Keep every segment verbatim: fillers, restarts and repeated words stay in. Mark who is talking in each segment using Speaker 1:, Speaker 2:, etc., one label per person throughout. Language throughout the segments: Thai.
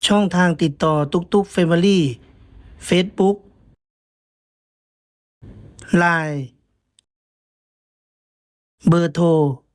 Speaker 1: ช่องทางติดต่อตุกตุกเฟมิลี่เฟซบุ๊กไลน์เบอร์โทร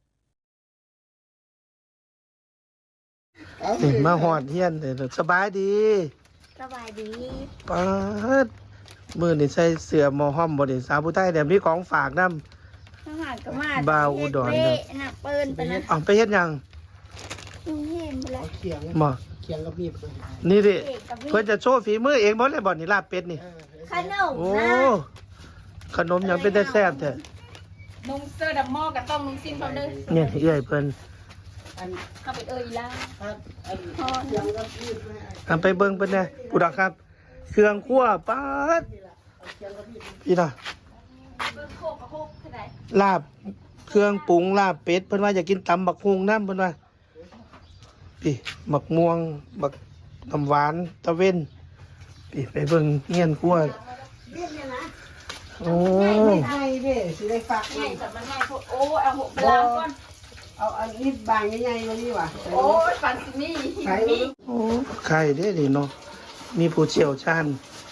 Speaker 1: มาหอดเฮียนเด้อสบายดี
Speaker 2: สบายดี
Speaker 1: ปาดมือนี่ใส่เสื้อหมอห้อมบ่ได้สาวผู้ไทยแต่มีของฝากนำ
Speaker 2: ทหารก็มา
Speaker 1: บ่าวอุดร
Speaker 2: เฮ็ดเละนะเปิ้นไปนะ
Speaker 1: เอาไปเฮ็ดหยัง
Speaker 2: ลุงเห็นไปแล้ว
Speaker 3: เขียง
Speaker 1: บ่
Speaker 3: เขียงกับมีด
Speaker 1: นี่ดิ
Speaker 2: เอกกับพี่
Speaker 1: เพิ่นจะโชว์ฝีมือเองบ่เลยบ่นี่ลาบเป็ดนี่
Speaker 2: ขนม
Speaker 1: โอ้
Speaker 2: นะ
Speaker 1: ขนมหยังเป็นแต่แซ่บแท้
Speaker 4: นุ่งเสื้อดำหม้อกับต้องนุ่งสิ้นเขาเด้อ
Speaker 1: เนี่ยเอื้อยเพิ่น
Speaker 3: อัน
Speaker 4: เข้าไปเอ่ยล่า
Speaker 3: อันอัน
Speaker 2: พอ
Speaker 3: เขียงกับมีดแม่
Speaker 1: เอาไปเบิ่งเพิ่นแหน่ผู้ดักครับ เครื่องครัวปาด
Speaker 3: เขียงกับมีด
Speaker 1: พี่น่ะ
Speaker 4: เบิ่งโคกกับโคกเท่าไหร่
Speaker 1: ลาบเครื่องปรุงลาบเป็ดเพิ่นว่าอยากกินตำบักฮุงน้ำเพิ่นว่าพี่บักม่วงบักน้ำหวานตะเว้นพี่ไปเบิ่งเงียนครัว
Speaker 3: มีดเนี่ยนะ
Speaker 1: โอ้
Speaker 3: ไอ้เด้สิได้ฝาก
Speaker 4: ง่ายสัตว์มันง่ายโคตรโอ้เอาหกไปล้างก่อน
Speaker 3: เอาอันนี้บางใหญ่ๆมานี่ว่ะ
Speaker 4: โอ้ยฟันสินี่
Speaker 3: ใส่
Speaker 4: นี่
Speaker 1: โอ้ไข่เด้ดิเนาะมีผู้เชี่ยวชาญ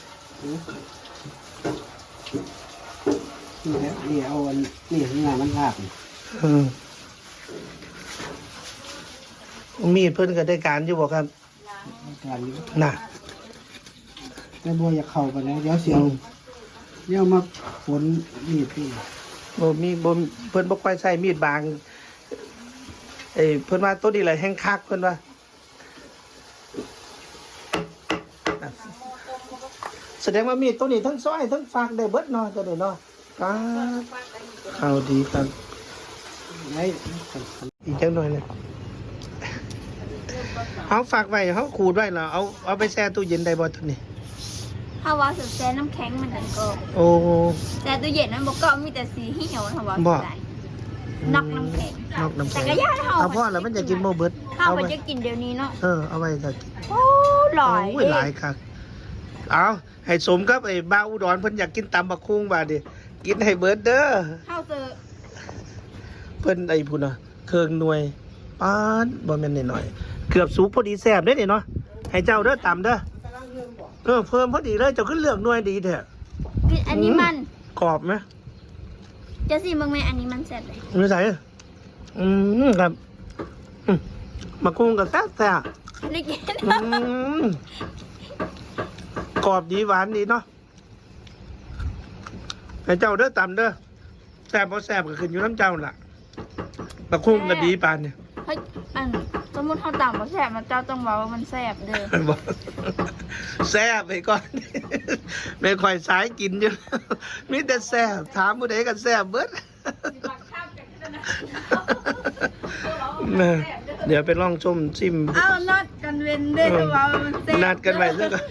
Speaker 3: นี่แหละนี่เอาอันนี่ข้างหน้ามันภาพนี่
Speaker 1: เออมีดเพิ่นก็ได้การอยู่บ่ครับ
Speaker 3: การนี้
Speaker 1: น่ะ
Speaker 3: แต่บัวอยากเข้าไปแล้วเดี๋ยวเสียวเดี๋ยวมาฝนมีดพี่
Speaker 1: บ่มีบ่เพิ่นบ่ค่อยใช้มีดบางเอ้ยเพิ่นว่าตัวนี้แหละแห้งคักเพิ่นว่าแสดงว่ามีดตัวนี้ทั้งซอยทั้งฝากได้เบิดเนาะตัวนี้เนาะครับเข้าดีครับ
Speaker 3: ไอ้
Speaker 1: อีกจังหน่อยเลยเอาฝากไว้เขาขูดไว้แล้วเอาเอาไปแช่ตู้เย็นได้บ่ตัวนี้
Speaker 2: ถ้าว่าสุดแซ่น้ำแข็งมันนั่นก็
Speaker 1: โอ้
Speaker 2: แต่ตู้เย็นนั้นบอกก็มีแต่สีเหี่ยวถ้าว่า
Speaker 1: บ่
Speaker 2: สุดได้นอกน้ำแข็ง
Speaker 1: นอกน้ำ
Speaker 2: แต่
Speaker 1: แข็ง
Speaker 2: ก็ย่าเฮา
Speaker 1: เอาพ่อแล้วมันจะกินโมเบิด
Speaker 2: เฮา
Speaker 1: เอา
Speaker 2: มั
Speaker 1: ไว้
Speaker 2: นจะกินเดี๋ยวนี้เนาะ
Speaker 1: เออเอาไว้จะกิน
Speaker 2: โอ้หลาย
Speaker 1: โอ้ยหลายครับเอาให้สมกับไอ้บ้าอุดรเพิ่นอยากกินตำบักคุ้งบาดดิกินให้เบิดเด้อ
Speaker 2: เฮาเจอ
Speaker 1: เพิ่นไอ้พุ่นน่ะเครื่องหน่วยปานบ่แม่นน้อยๆเกือบสุกพอดีแซ่บเด้อนี่เนาะให้เจ้าเด้อตำเด้อเออเพิ่มพอดีเลยเจ้าขึ้นเลือกหน่วยดีแท้
Speaker 2: กินอันนี้มัน
Speaker 1: กรอบไหม
Speaker 2: จะสิเบิ่งแม่อันนี้มันแซ่บเลย
Speaker 1: ไม่ใส่อืมครับอืมมากุ้งกับแซ่บแซ่บ
Speaker 2: ได้กิน
Speaker 1: อืมกรอบดีหวานดีเนาะให้เจ้าเด้อตำเด้อแซ่บบ่แซ่บก็ขึ้นอยู่น้ำเจ้าล่ะมากุ้งก็ดีปานเนี่ย
Speaker 2: เฮ้ยอันสมมุติเฮาตำบ่แซ่บมันเจ้าต้องบอกว่ามันแซ่บเด้อ
Speaker 1: บอกแซ่บไปก่อน ไม่ค่อยสายกินอยู่ มีแต่แซ่บถามผู้ใดก็แซ่บเบิด น่ะเดี๋ยวไปลองชมชิม
Speaker 2: เอานัดกันเว้นเด้อว่ามันแซ่บ
Speaker 1: นัดกันไว้แล้วก็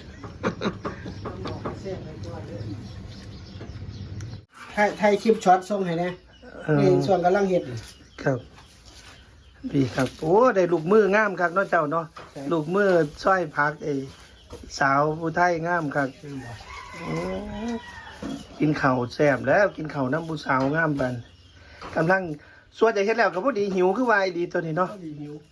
Speaker 3: ถ่ายถ่ายคลิปช็อตส่งให้นะ
Speaker 1: เออ
Speaker 3: นี่ส่วนกำลังเฮ็ด
Speaker 1: ครับพี่ครับโอ้ได้ลูกมืองามครับเนาะเจ้าเนาะลูกมือช่อยพักไอ้สาวผู้ไทยงามครับโอ้กินข้าวแซ่บแล้วกินข้าวน้ำผู้สาวงามปันกำลังส่วนจะเฮ็ดแล้วก็พอดีหิวคือวายดีตัวนี้เนาะ
Speaker 3: หิว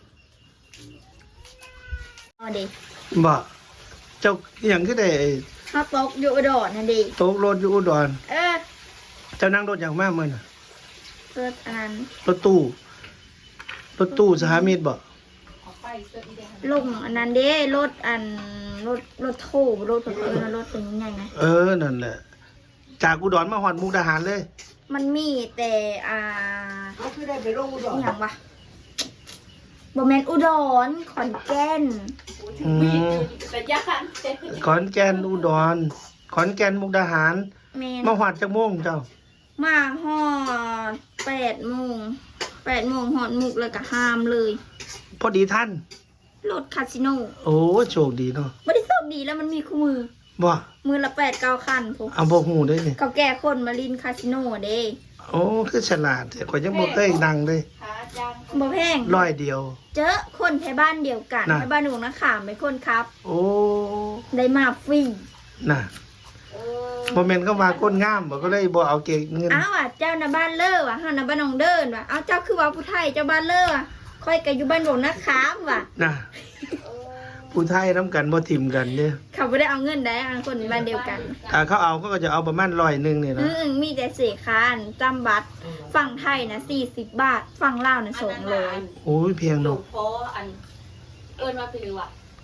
Speaker 2: เอาดิ
Speaker 1: บ่เจ้าอหย่างคือได้
Speaker 2: เฮาตกอยู่อุดรนั่นดิ
Speaker 1: โต๊ะรถอยู่อุดร
Speaker 2: เออ
Speaker 1: เจ้านั่งรถอย่างมากมื้อน่ะ
Speaker 2: เกิดอันนั้น
Speaker 1: รถตู้รถตู้สหมิตรบ่
Speaker 4: เอาไปเสื้ออีแดง
Speaker 2: ลงอันนั้นเด้รถอันรถรถโถรถเพิ่นรถเป็นใหญ่นะ
Speaker 1: เออนั่นแหละจากอุดรมาฮอดมุกดาหารเลย
Speaker 2: มันมีแต่อ่า
Speaker 3: เขาคือได้ไปลงอุด
Speaker 2: อ
Speaker 3: ร
Speaker 2: หย่างวะบ่แม่นอุดรขอนแก่น
Speaker 1: อืม
Speaker 4: แต่ยาคันเจ็ด
Speaker 1: ขอนแก่นอุดรขอนแก่นมุกดาหาร
Speaker 2: แม่น
Speaker 1: มาฮอดจักโมงเจ้า
Speaker 2: มาฮอดแปดโมงแปดโมงฮอดมุกแล้วก็ห้ามเลย
Speaker 1: พอดีท่าน
Speaker 2: รถคาสิโน
Speaker 1: โอ้โชคดีเนาะ
Speaker 2: บ่ได้โชคดีแล้วมันมีคู่มือ
Speaker 1: บ่
Speaker 2: มือละแปดเก้าคันพวก
Speaker 1: เอาบ่ฮู้ได้นี่
Speaker 2: เขาแก่คนมาลินคาสิโนเด้
Speaker 1: โอ้คือฉลาดแต่ข่อยยังบ่เคยดังเลย
Speaker 4: ขาจาง
Speaker 2: บ่แพง
Speaker 1: ร้อยเดียว
Speaker 2: เจอคนไทยบ้านเดียวกัน
Speaker 1: น่ะ
Speaker 2: ไทยบ้านหนูนะขามเป็นคนครับ
Speaker 1: โอ้
Speaker 2: ได้มาฟรี
Speaker 1: น่ะบ่แม่นก็ว่าคนงามบ่ก็เลยบ่เอาเก็บเงิน
Speaker 2: อ้าวอ่ะเจ้านะบ้านเล่อว่ะเฮานะบ้านหนองเดินว่ะเอาเจ้าคือว่าผู้ไทยเจ้าบ้านเล่อว่ะค่อยก็อยู่บ้านหลวงนะขามว่ะ
Speaker 1: น่ะผู้ไทยน้ำกันบ่ทิมกันเนี่ย
Speaker 2: เขาไม่ได้เอาเงินได้อันคนบ้านเดียวกัน
Speaker 1: ถ้าเขาเอาก็จะเอาประมาณร้อยหนึ่งเนี่ย
Speaker 2: อื
Speaker 1: นะ
Speaker 2: มมีแต่เสียค่าอันจำบัตรฝั่งไทยนะสี่สิบบาทฝั่งลาวนะสองร้อย
Speaker 1: โอ้ยเพียง
Speaker 4: ลุ
Speaker 1: เนาะ
Speaker 4: งเพราะอัน เอิญมาคือว่า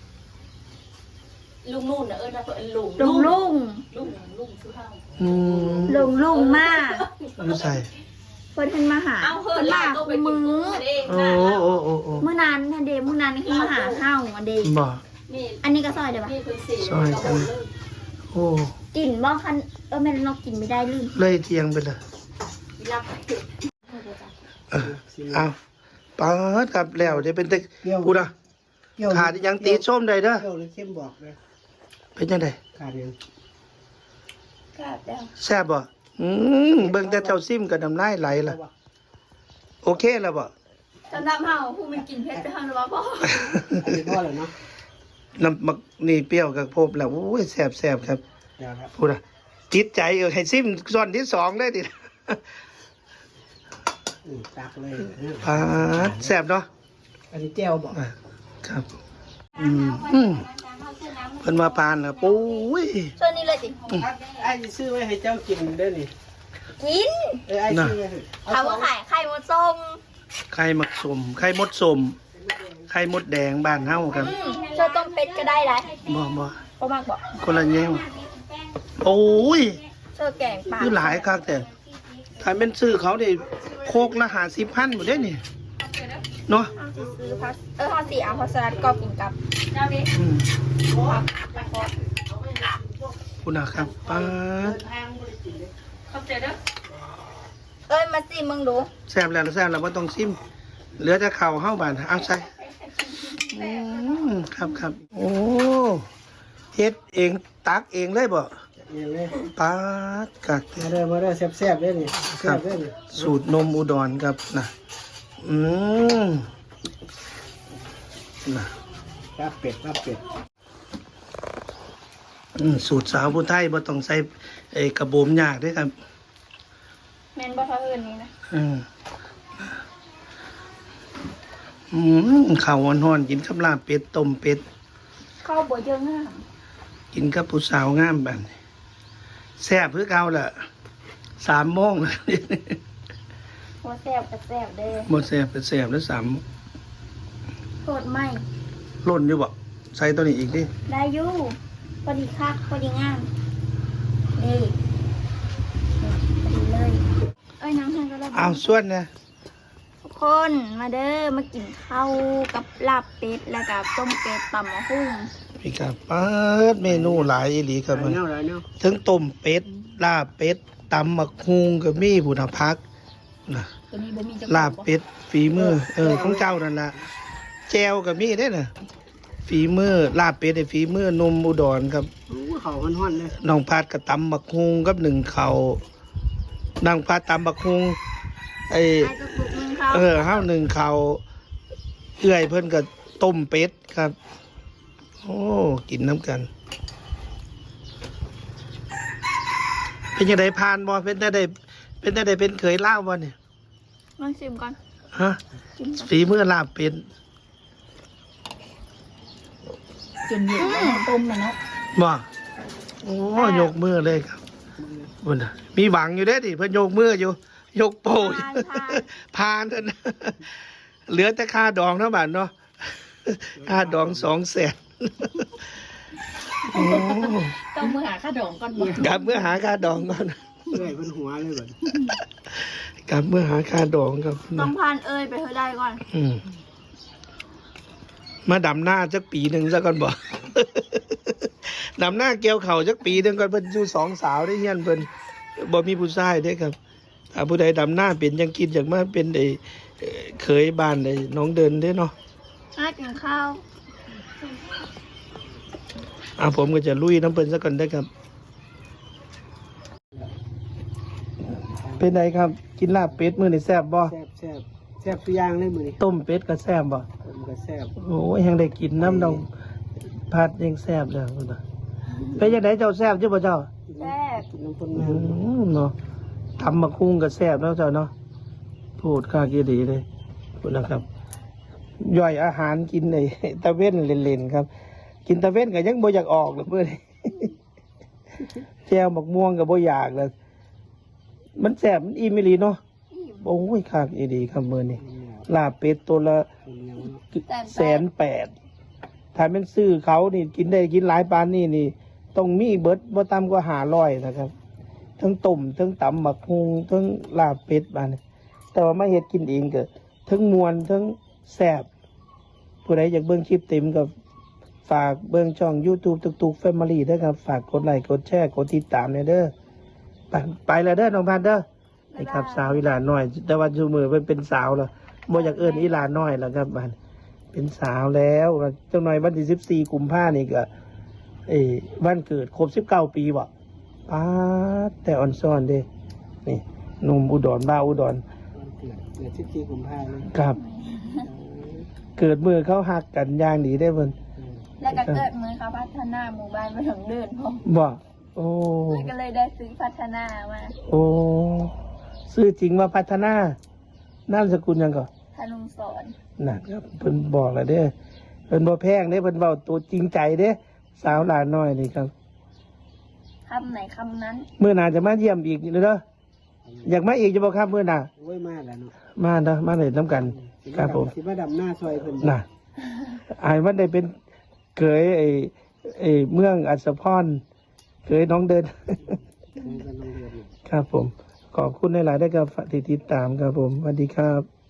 Speaker 4: ลุงนู่นน่ะเอิญมาเอิญลุง
Speaker 2: ลุงลุง
Speaker 4: ลุงลุงชื่อเฮา
Speaker 1: อืม
Speaker 2: ลุงลุงมาก
Speaker 1: รู้ใส่
Speaker 2: เพิ่นเพิ่นมาหา
Speaker 4: เอาเฮิ
Speaker 2: เพิ่
Speaker 4: น
Speaker 2: น
Speaker 4: ลา
Speaker 2: มา
Speaker 4: ก็ไปกิน
Speaker 2: มื
Speaker 4: กุ้
Speaker 2: อง
Speaker 4: เอง
Speaker 1: โอ้
Speaker 4: นะ
Speaker 1: โอ้โอ้โอ้
Speaker 2: มื้อนั้นทันเดมื้อนั้นนี่คือมาหาเฮาอันเด
Speaker 1: บ่
Speaker 4: นี่
Speaker 2: อันนี้ก็ซอยเด้อปะ
Speaker 4: นี่คือสี่
Speaker 1: ซอยจัง โอ้
Speaker 2: กินบ่คันเออแม่นเรากินไม่ได้ลืม
Speaker 1: เลยเทียงไปเลย
Speaker 4: รับ
Speaker 1: เออเอาปาดครับแล้วเดี๋ยวเป็นตะ
Speaker 3: เปรี้ยว
Speaker 1: กูนะ
Speaker 3: เปรี้ยว
Speaker 1: ขาดยังตีส้มได้เด้อ
Speaker 3: เปรี้ยวหรือเข้มบอกเลย
Speaker 1: เป็นยังไง
Speaker 3: ขาดยัง
Speaker 2: กราบแล้ว
Speaker 1: แซ่บบ่อืมเบิ่งแต่เจ้าซิมกับน้ำลายไหลล่ะ โอเคแล้วบ่
Speaker 2: สำหรับเฮาผู้มันกินเผ็ดไปเฮาหรือว่าบ่
Speaker 3: อันนี้พ่อเลยเนาะ
Speaker 1: น้ำมักนี่เปรี้ยวกับโพบแล้วโอ้ยแซ่บแซ่บครับ
Speaker 3: เดี๋ยวครับ
Speaker 1: พูดอะจิตใจเออให้ซิมส่วนที่สองได้ดิ
Speaker 3: อืมตักเลย
Speaker 1: ปาดแซ่บเนาะ
Speaker 3: อันนี้แจ่วบอก
Speaker 1: อ่ะครับ อืมอืมเพิ่นมาปานน่ะปุ้ย
Speaker 2: ส่วนนี้เลยสิ
Speaker 3: ไอ้สิซื้อไว้ให้เจ้ากินเด้อนี่
Speaker 2: กิน
Speaker 3: เออไอ้ซื้อไว้ให้
Speaker 2: เขาว่าขายไข่มดส้ม
Speaker 1: ไข่มักสมไข่มดสมไข่มดแดงบ้านเฮาครับ
Speaker 2: อืมเจ้าต้มเป็ดก็ได้หลาย
Speaker 1: บ่บ่
Speaker 2: บ่มากบ่
Speaker 1: คนละแนวโอ้ย
Speaker 2: เจ้าแกงปลา
Speaker 1: คือหลายคักแต่ถ้าเป็นซื้อเขาได้โคกละห้าสิบพันบ่ได้นี่เนาะ
Speaker 2: เอาสิซื้อพัสเออเฮาสิเอาพัสลัดก็กินกับ
Speaker 4: เจ้าดิ
Speaker 1: อืม
Speaker 2: ผัก
Speaker 1: คุณน่ะครับปาด
Speaker 4: เข้าใจเด้อ
Speaker 2: เอ้ยมาสิมึงดู
Speaker 1: แซ่บแล้วแซ่บแล้วบ่ต้องซิมเหลือแต่ข้าวเฮาบาดเอาใส่อืมครับครับโอ้เฮ็ดเองตักเองเลยบ่
Speaker 3: เนี่ยเลย
Speaker 1: ปาดกัก
Speaker 3: มาเด้อมาเด้อแซ่บๆเด้อนี่
Speaker 1: ค
Speaker 3: แซ่
Speaker 1: รั
Speaker 3: บบ เด้อนี่
Speaker 1: สูตรนมอุดรครับนะอืมนะ
Speaker 3: ลาบเป็ดลาบเป็ด
Speaker 1: อืมสูตรสาวผู้ไทยบ่ต้องใส่ไอ้กระโบมยากเด้อครับ
Speaker 2: แม่นบ่เท่าอื่นนี่นะ
Speaker 1: อืมอืมข้าวฮ้อนๆกินกับลาบเป็ดต้มเป็ด
Speaker 2: ข้าวบ่เยอะงาม
Speaker 1: กินกับผู้สาวงามบัดนี้แซ่บคือเก่าล่ะสามโมงแล้ว
Speaker 2: บ่แซ่บก็แซ่บเด้อ
Speaker 1: บ่แซ่บก็แซ่บแล้วสาม
Speaker 2: โทษไหม
Speaker 1: ล่นอยู่บ่ใส่ตัวนี้อีกดิ
Speaker 2: ได้อยู่พอดีคักพอดีงามนี่พอดีเลยเอ้ยน้ำทานก็ได้
Speaker 1: เอาส่วนนะ
Speaker 2: ทุกคนมาเด้อมากินข้าวกับลาบเป็ดแล้วกับต้มเป็ดตำมะฮุ่ง
Speaker 1: พี่ครับเปิดเมนูหลายอีหลีครับ
Speaker 3: หลา
Speaker 1: มั
Speaker 3: ย
Speaker 1: น
Speaker 3: แนวหลายแนว
Speaker 1: ทั้งต้มเป็ดลาบเป็ดตำมักฮุงก็มีบุญพักนะ
Speaker 2: ตัวนี้บ่มีจัง
Speaker 1: ลาบเป็ดฝีมือเออของเจ้านั่นล่ะแจวก็มีได้อน่ะฝีมือลาบเป็ดไอ้ฝีมือนมอุดรครับ
Speaker 3: โอ้เขาฮ้อนๆเลย
Speaker 1: น้องพัดก็ตำมักฮุงกับหนึ่งเขาวนางพัดตำมักฮุงไอ้
Speaker 2: ไอ้กระปุกนึงเขา
Speaker 1: เออห้าวหนึ่งเขาเอื้อยเพิ่นก็ต้มเป็ดครับ โอ้กินน้ำกัน เป็นยังไงพานบ่เป็นได้ได้เป็นได้ได้เป็นเคยเล่าบ่เนี่ย
Speaker 2: ลองชิมก่อน
Speaker 1: ฮะ
Speaker 2: ชิมก่อน
Speaker 1: ฝีมือลาบเป็น
Speaker 2: จนเย็นแล้วต้มแล้วเนาะ
Speaker 1: บ่โอ้ยกมือเลยครับบุญน่ะมีหวังอยู่เด้อดิเพิ่นยกมืออยู่ ยกโป้อยู่ พานเถอะนะเหลือแต่ค่าดองเท่าบาทเนาะค่าดองสองแสนโอ้
Speaker 4: ต้องมือหาข้าดองก่อนบ่
Speaker 1: กลับเมื่อหาค่าดองก่อน
Speaker 3: เอ้ยเป็นหัวเลยบัด
Speaker 1: กลับเมื่อหาค่าดองครับ
Speaker 2: ต้องพานเอ้ยไปเธอได้ก่อน
Speaker 1: อืมมาดำหน้าจักปีหนึ่งซะก่อนบอก ดำหน้าเกี่ยวเข่าจักปีหนึ่งก่อนเพิ่นอยู่สองสาวได้เฮียนเพิ่นบ่มีผู้ชายเด้ครับถ้าผู้ใดดำหน้าเป็นยังคิดอยากมาเป็นไอ้เอ่อเคยบ้านไอ้น้องเดินเด้เนาะ
Speaker 2: น่ากินข้าว
Speaker 1: อ่าผมก็จะลุยน้ำเพิ่นซะก่อนได้อครับ เป็นไงครับ กินลาบเป็ดมื้อนี้แซ่บบ่
Speaker 3: แซ่บแซ่บแซ่บตัวอย่างเลยมื้อนี้
Speaker 1: ต้มเป็ดก็แซ่บบ่
Speaker 3: ผมก็แซ่บ
Speaker 1: โอ้ยยังได้กินน้ำน้องพัดยังแซ่บเลยพุ่นน่ะเป็นยังไงเจ้าแซ่บจ้าบ่เจ้า
Speaker 2: แซ่บ
Speaker 3: กินน้ำต้น
Speaker 1: อื
Speaker 3: น้ำ
Speaker 1: มเนาะทำมาคุ้งกับแซ่บแล้วเจ้าเนาะพูดข้ากี่ดีเลยพูดนะครับ ย่อยอาหารกินในตะเว้นเล่นๆครับกินตะเว้นก็ยังบ่อยากออกเลยเพื่อน แจ่วหมกม่วงก็บ่อยากเลยมันแซ่บมันอิ่มอีหลีเนาะ
Speaker 2: อิ่ม
Speaker 1: โอ้ยคักอีดีครับมื้อนี้ลาบเป็ดตัวละ
Speaker 3: เป็นยัง
Speaker 1: แสนแปดถ้าเป็นซื้อเขานี่กินได้กินหลายปานนี่นี่ต้องมีเบิดบ่ต่ำกว่าห้าร้อยนะครับทั้งต้มทั้งตำหมักฮุงทั้งลาบเป็ดบาดนี้แต่ว่ามาเฮ็ดกินเองก็ทั้งมวนทั้งแซ่บผู้ใดอยากเบิ่งคลิปเต็มก็ฝากเบิ่งช่อง YouTube ตุกตุก Family ด้วยครับฝากกดไลค์กดแชร์กดติดตามเด้อไปไปแล้วเด้อน้องพันเด้อไอ้ครับสาวอีหลานน้อย แต่ว่าชูมือเป็นเป็นสาวแล้วบ่อยากเอิ้นอีหลานน้อยแล้วครับบัดเป็นสาวแล้วจังหน่อยวันที่สิบสี่กุมภาพันธ์นี่ก็เอ้วันเกิดครบสิบเก้าปีบ่ป้าดแต่อ่อนซ่อนเด้นี่หนุ่มอุดรบ้าวอุดร
Speaker 3: วันเกิดเกิดสิบสี่กุมภาพันธ์เลย
Speaker 1: ครับ เกิดมือเขาหักกันอย่างดีได้เพิ่น
Speaker 2: แล้วก็เกิดมือเขาพัฒนาหมู่บ้านมาถึงเดือนพอ
Speaker 1: บ่โอ้
Speaker 2: ก็เลยได้ซื้อพัฒนามา
Speaker 1: โอ้ชื่อจริงว่าพัฒนานามสกุลหยังก่อน
Speaker 2: ธนุสอน
Speaker 1: นั่นครับเพิ่นบอกแล้วเด้อเพิ่นบ่แพงเด้เพิ่นเว้าตัวจริงใจเด้สาวหลานน้อยนี่ครับ
Speaker 2: คำไหนคำนั้น
Speaker 1: มื้อหน้าจะมาเยี่ยมอีกเด้ออยากมาอีกจะบ่ครับมื้อหน้า
Speaker 3: โอ้ยมาแล้วเนาะ
Speaker 1: มาเด้อมาเลยนํกัน ครับผม
Speaker 3: สิมาดำหน้าซอยเพิ่น
Speaker 1: น่ะอายมันได้เป็นเกยไอ้ไอ้เมืองอัศพรเกยน้องเดิน
Speaker 3: เพิ่นก็ต้องเรียนอยู่
Speaker 1: ครับผม ขอบคุณหลายๆได้กับที่ติดตามครับผมสวัสดีครับ